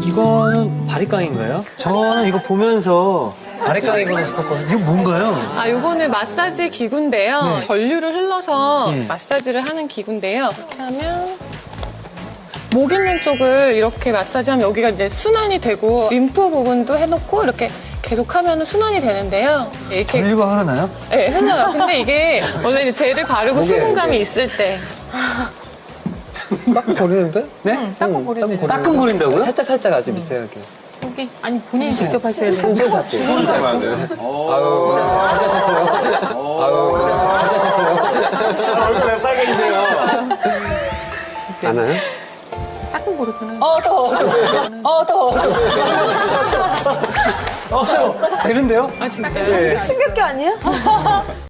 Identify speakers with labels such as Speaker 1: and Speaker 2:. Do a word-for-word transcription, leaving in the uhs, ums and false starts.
Speaker 1: 이거는 바리깡인가요? 저는 이거 보면서 바리깡이구나 싶었거든요. 이거 뭔가요?
Speaker 2: 아, 요거는 마사지 기구인데요.
Speaker 1: 네.
Speaker 2: 전류를 흘러서
Speaker 1: 네.
Speaker 2: 마사지를 하는 기구인데요. 이렇게 하면 목 있는 쪽을 이렇게 마사지하면 여기가 이제 순환이 되고 림프 부분도 해놓고 이렇게 계속 하면 순환이 되는데요. 이렇게
Speaker 1: 전류가 흐르나요?
Speaker 2: 네, 흘러요. 근데 이게 원래 이제 젤을 바르고 수분감이 있을 때
Speaker 1: 따끔거리는데? 네?
Speaker 2: 응, 따끔거리는데.
Speaker 1: 따끔거린다고요?
Speaker 3: 살짝 살짝 아주 미세하게.
Speaker 2: 여기 아니 본인이 직접 하셔야 돼요.
Speaker 3: 손 잡고. 손 잡아야 돼. 아유, 잘하셨어요. 아유, 잘하셨어요.
Speaker 1: 얼굴 왜 빨개지세요?
Speaker 3: 안 와요?
Speaker 2: 따끔거리잖아요.
Speaker 4: 어, 더워. 어, 더워.
Speaker 1: 어, 되는데요?
Speaker 2: 아, 진짜요?
Speaker 4: 충격기 아니야?